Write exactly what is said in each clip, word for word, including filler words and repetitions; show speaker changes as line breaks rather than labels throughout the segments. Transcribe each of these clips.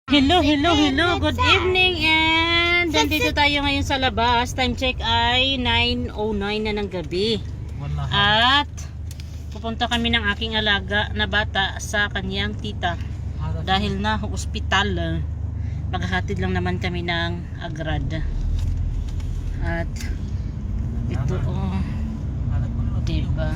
Hello, hello, hello. Good evening and nandito tayo ngayon sa labas. Time check ay nine oh nine na ng gabi. At pupunta kami ng aking alaga na bata sa kanyang tita. Dahil na ospital. Maghahatid lang naman kami ng agrad. At ito oh. Diba?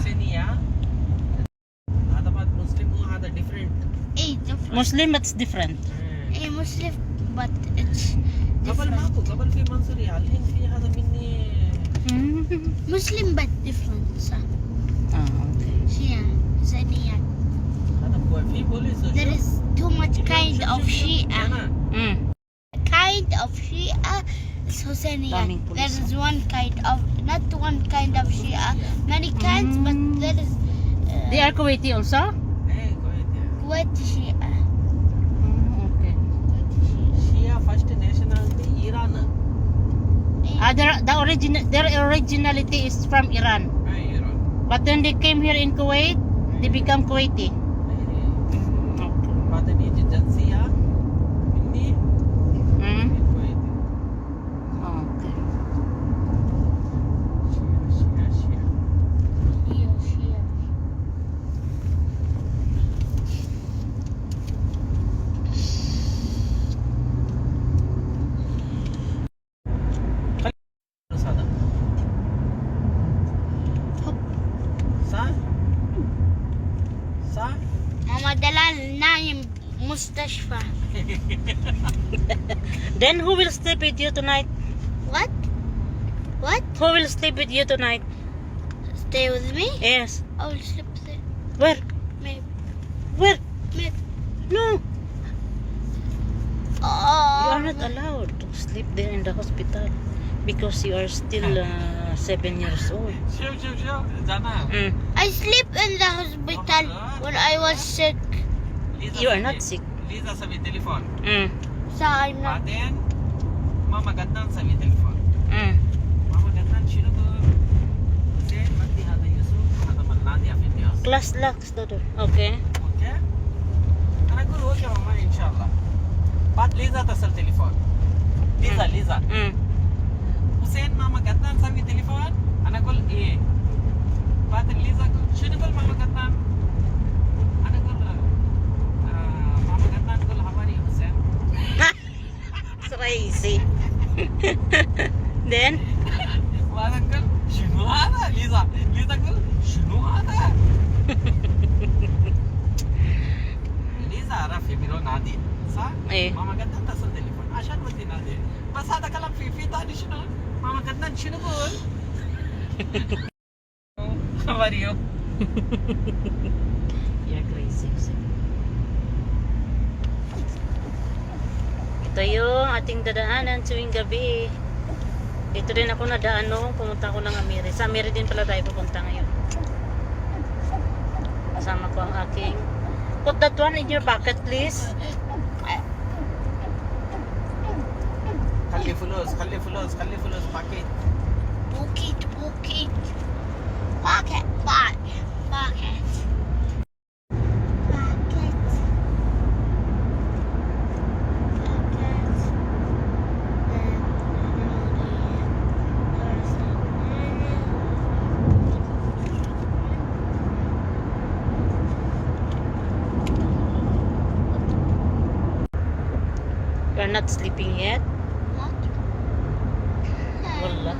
Muslim but it's different.
A Muslim, but it's
قبل
different.
ماكو قبل في منصوري الحين في هذا مني
Muslim, but different. So,
Ah, okay.
Shia, Zaniya.
هذا هو في بوليس
There is too much kind of Shia.
أنا
Mm.
Kind of Shia is Husseiniya.
Daming pulis,
There is one kind of, not one kind of Shia, many kinds, but there is uh,
They are Kuwaiti also?
إيه كويس
Kuwaiti Shia.
Mm, okay.
Kuwaiti Shia.
شيعة first nationality إيران
Ah, their, the origin, their originality is from Iran.
إيه إيران
But when they came here in Kuwait, they become Kuwaiti.
إيه
Okay.
بعدين يجي جنسية مني
Mm.
كويتي
Okay.
شيعة شيعة
Shia, Shia.
بس هذا صح صح
Mama Dalal naim mustashfa.
Then who will sleep with you tonight?
What? What?
Who will sleep with you tonight?
Stay with me?
Yes.
I will sleep there.
Where?
Maybe.
Where?
Maybe.
No.
Oh.
You are not allowed to sleep there in the hospital because you are still uh, seven years old.
شوف شوف شوف جانا
Mm.
I sleep in the hospital when I was sick.
ليزا
You are
سوي-
not sick.
ليزا سوي تليفون
Mm.
So I'm not.
بعدين ماما قدام سوي تليفون
Mm.
ماما قدام شنو بقول زين بدي هذا يوسف هذا ملنادي في الناس
Class locks the door. Okay.
اوكي انا اقول اوكي ماما ان شاء الله بعد ليزا اتصل تليفون ليزا ليزا
Mm.
حسين ماما قدام سوي تليفون انا اقول ايه بعد ليزا اقول شنو يقول ماما قدام انا اقول آه ماما قدام تقول حواري يا حسين
Crazy. Then
بعد اقول شنو هذا ليزا ليزا تقول شنو هذا ليزا عرف يميلون نادي صح؟
إيه.
ماما قدام تصل تليفون عشان ودي نادي بس هذا كلام في في ثاني شنو؟ ماما قدام شنو بقول؟ How are you?
you're crazy. Ito yung ating dadaanan tuwing gabi. Dito din ako nadaan nung pumunta ko ng Amiri. Sa Amiri din pala tayo pupunta ngayon. Kasama ko ang aking... Put that one in your pocket, please.
خلي فلوس خلي فلوس خلي فلوس باكيت
Pocket, pocket. Pocket, pocket, pocket. Pocket.
You're not sleeping yet?
What?
Wala.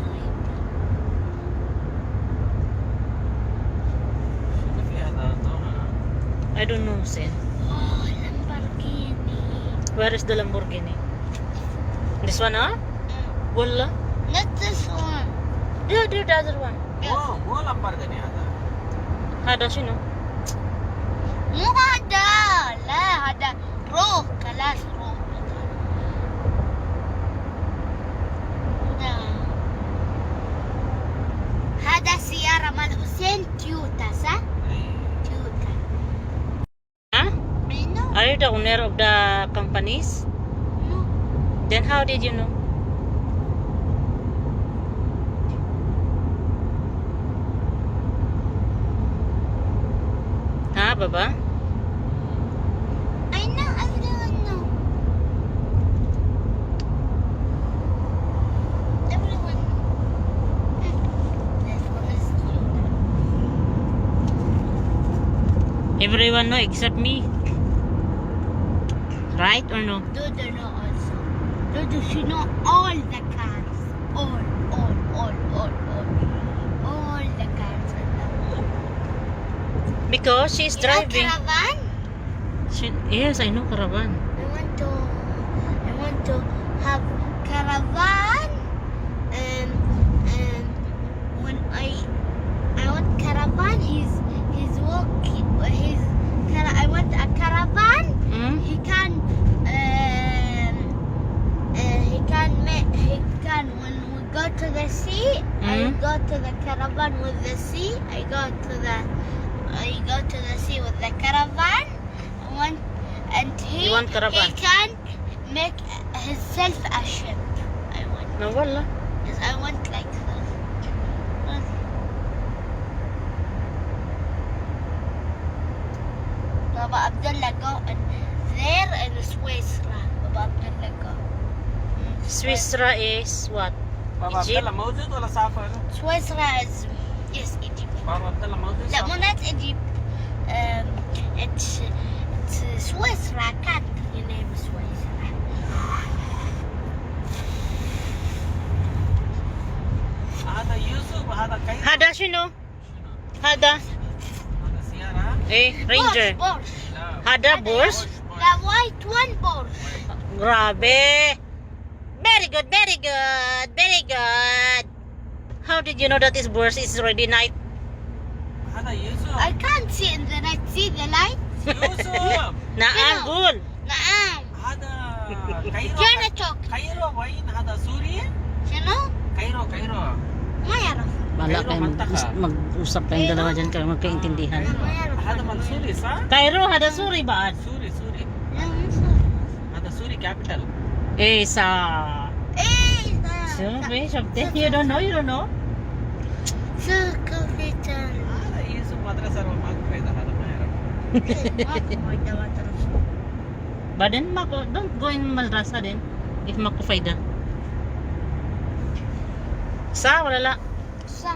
شنو في هذا
I don't know, Sen.
Oh, Lamborghini.
Where is the Lamborghini? This one, huh? Wala.
Not this one.
Yeah, the other one.
مو مو لامبورغيني هذا
هذا شنو؟
مو هذا. لا هذا روح كلاش روح. لا. هذا سيارة مال حسين تويوتا صح؟ تويوتا.
Huh?
I know.
Are you the owner of the companies?
No.
Then how did you know? Ha, baba?
I know. I don't know.
Everyone know except me. Right or no?
Dodo know also. Dodo she know all the cars. All, all, all, all, all. All the cars in the world.
Because she's
You know
driving.
caravan?
She, yes, I know caravan.
I want to I want to have caravan and and when I I want caravan he's he's walking he's cara- I want a caravan
Hmm?
he can um uh, he can make he can when we go to the sea I
Mm.
go to the caravan with the sea I go to the I go to the sea with the caravan I want and he
You want caravan?
he can make himself a ship I want
No, wala.
yes I want like that Baba Abdullah go and there in Switzerland Baba Abdullah go Mm,
Swisra is what?
بابا عبد
Egypt?
الله موجود ولا سافر؟
Switzerland is yes Egypt
بابا عبد الله موجود
لا مو
سافر؟
not Egypt um, it's it's Switzerland country name is Switzerland
هذا يوسف وهذا كيف؟
Hada sino?
شنو؟
Hada.
هذا سيارة؟
Eh, Ranger.
Porsche, Porsche.
لا
Hada Burs.
The white one Porsche
Grabe. Very good, very good, very good. How did you know that this Burs is already night?
هذا يوسف
I can't see in the night see the light
يوسف
Naagul.
نعم
هذا كايرو
جانا توك
كايرو وين هذا سوريا؟
شنو
كايرو كايرو
ما يعرف
Wala
Cairo,
kayo
Mantaka.
mag- mag-usap kayong dalawa dyan kayo magkaintindihan.
ما يعرف
هذا من سوري صح؟
Cairo, hada suri ba?
سوري سوري
لا، مو صح.
هذا سوري كابيتال
Eh, sa...
ايه ده
Sure, sabte. You don't know, you don't know?
سوق فيتر
هذا يوسف مدرسة ما كفاية هذا ما يعرف
But then, mako, don't go in madrasa din. If makufayda. Sa, wala la.
صح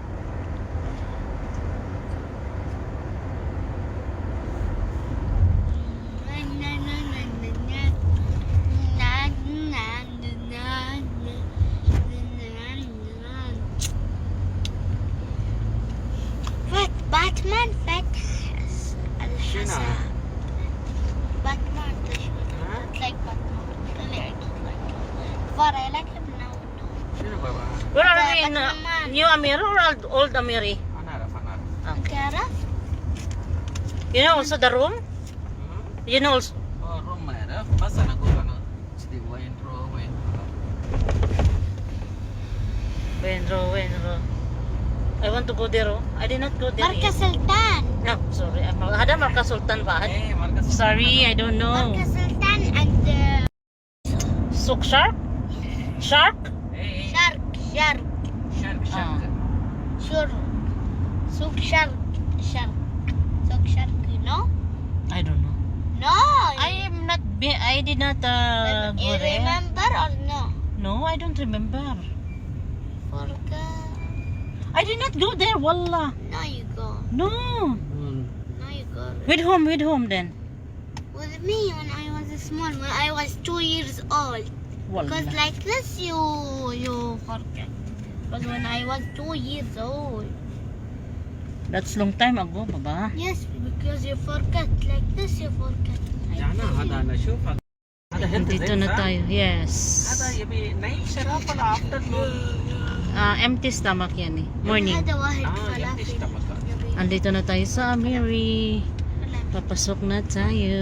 فات باتمان فتح الحساب باتمان
ها؟
like Batman طلع فار I like him now no
شنو بابا؟
Where are
But
we in uh,
naman.
New Amir or old, old Amiri?
أنا أعرف أنا أعرف
تعرف
You know also the room?
ها؟
You know also...
أوه روم ما يعرف بس أنا أقول أنا سيدي وين رو وين
Wenro, Wenro. I want to go there, oh. I did not go there.
مركز
yet.
سلطان
No, sorry. I'm- Hada Marka Sultan ba?
إيه مركز
Sorry, I don't know.
مركز سلطان and uh,
Souk Shark? Shark?
إيه
شرق شرق
شرق شرق
شرق سوق شرق شرق سوق شرق you know
I don't know.
no
I am not, be I did not uh,
you
go there.
remember or no
No, I don't remember.
forgot
I did not go there, wallah.
now you go
No.
now you go
With whom, with whom then?
with me when I was small when I was two years old because
Wallah.
like this you you forget but when I was two years old
That's long time ago, baba.
yes because you forget like this you forget
جانا هذا أنا شوف هذا هذا هيلث
Dito
زين
na
صح؟
tayo. Yes.
هذا يبي نايم شراب ولا أفتر نون
Ah, empty stomach yan eh. Morning.
هذا واحد
آه يمدي
فلافل
اشتبك
Andito na tayo sa Amiri. Papasok na tayo.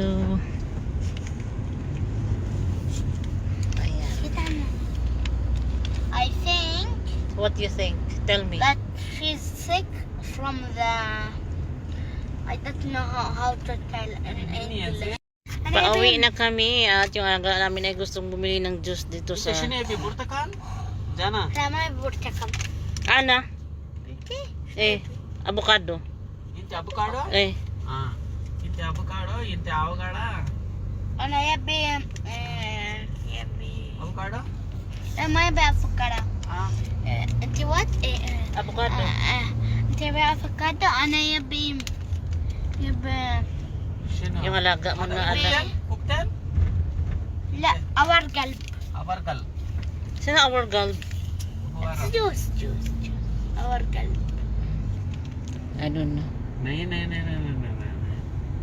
Ayan.
Kita mo. I think
What do you think? Tell me.
that she's sick from the I don't know how, how to tell in English. And I
Pauwi
think-
na kami at yung aga namin ay gustong bumili ng juice dito sa...
شنو يبي برتقال؟ جانا
Tama burtakam.
Ana?
Okay.
Eh, avocado.
انت افوكادو؟
Eh,
اه انت افوكادو انت افوكادو
Ano yabi eh yabi.
افوكادو؟
Ano yabi avocado.
اه
Eh, Iti what? Eh, eh,
avocado.
ah, ah. Iti yabi avocado. Ano yabi يبقى
شنو؟
Yung alaga mo na
كوكتيل
anak.
كوكتيل
لا اور قلب
أبرقل
Sino our girl?
جوز جوز جوز اور قلب
I don't know.
नहीं नहीं नहीं नहीं नहीं नहीं नहीं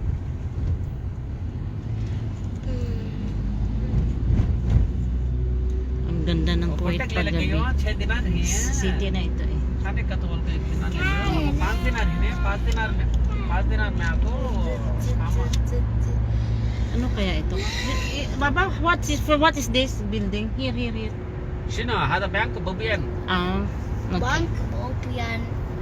Ang ganda ng
वो
Kuwait
Cuttack ले लगे
paggabi.
हो छह दिन आ रही है
City na ito eh.
खाने का तो बोल के कितना दिन है? पाँच दिन आ रही है पाँच दिन आ रही है पाँच दिन आ रही है आपको काम
Ano kaya ito? Baba, what is for what is this building? Here, here, here.
شنو هذا بنك بوبيان
Ah, okay.
بنك بوبيان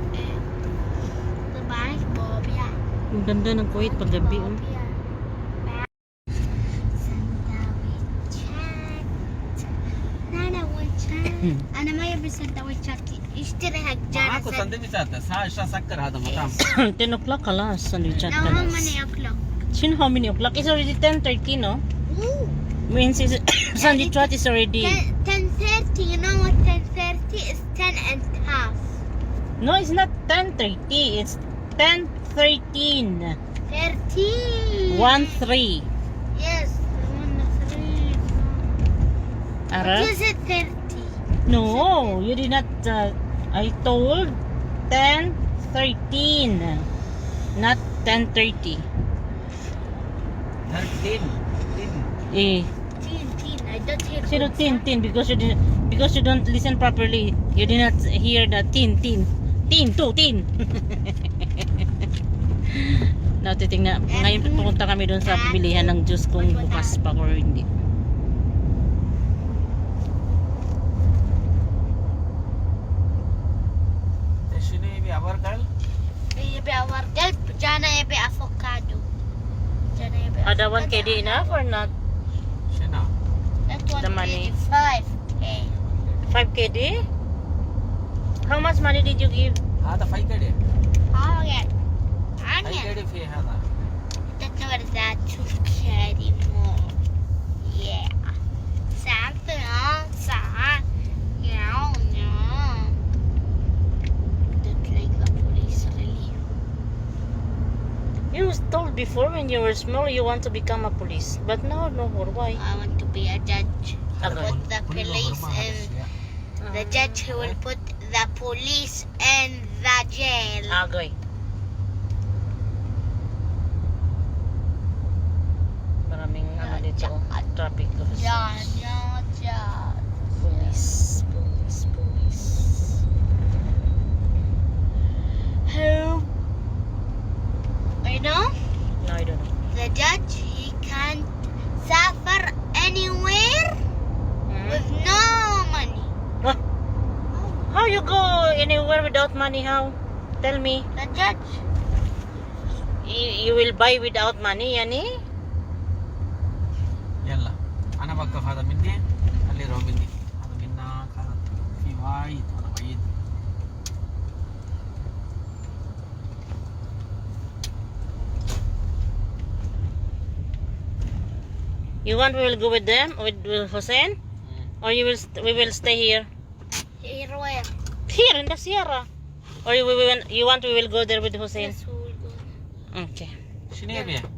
بنك بوبيان
Ang ganda ng Kuwait paggabi. Oh.
أنا ما يبي سندويشات اشتري حق
معاكو
جانا
سندويشات ساعة سكر هذا مطعم
ten o'clock kalas. Sandwich at
Now how
kalas.
many o'clock?
Sino how many o'clock? It's already ten thirty, no?
Ooh.
Means is sandwich chat is already.
ten thirty, you know what ten thirty is? ten and half.
No, it's not ten thirty. It's ten thirteen.
thirteen.
One three.
Yes, one three.
Ara?
But you said thirty.
No, you did not. Uh, I told ten thirteen, not ten thirty.
Thirteen
Eh,
Teen, teen. I don't hear
zero
good
tin
sound.
tin because you did because you don't listen properly. You did not hear the tin tin tin two tin. Now titingnan ngayon pupunta kami doon sa bilihan ng juice kung bukas pa or hindi.
شنو يبي أبرقل
يبي اور قلب جانا يبي افوكادو جانا يبي
Ada one K D enough or not?
شنو
That one
The money.
is five. Okay.
five K D? How much money did you give?
هذا فايكدي
Okay. Onion.
فايكدي في هذا
Don't know what is that to carry more. Yeah. Something else. Yeah, no. Don't like the police really.
You was told before when you were small you want to become a police, but now no more. Why?
I want to be a judge.
Okay.
Put the police in the judge who will put the police in the jail.
Agoy. Maraming ano dito, traffic officer.
John, John, John.
Police, police, police.
Who? You know,
No, I don't know.
the judge, he can't suffer anywhere with no money.
Huh? How you go anywhere without money? How? Tell me.
The judge,
You, you will buy without money, yani?
يلا أنا بوقف هذا مني اللي رو مني هذا منا هذا في وايد أنا وايد
You want we will go with them, with, with Hussein? Or you will st- we will stay here?
here where?
Here in the Sierra. Or you, we will, you want we will go there with Hussein?
Yes, we will go.
Okay.
شنو يبي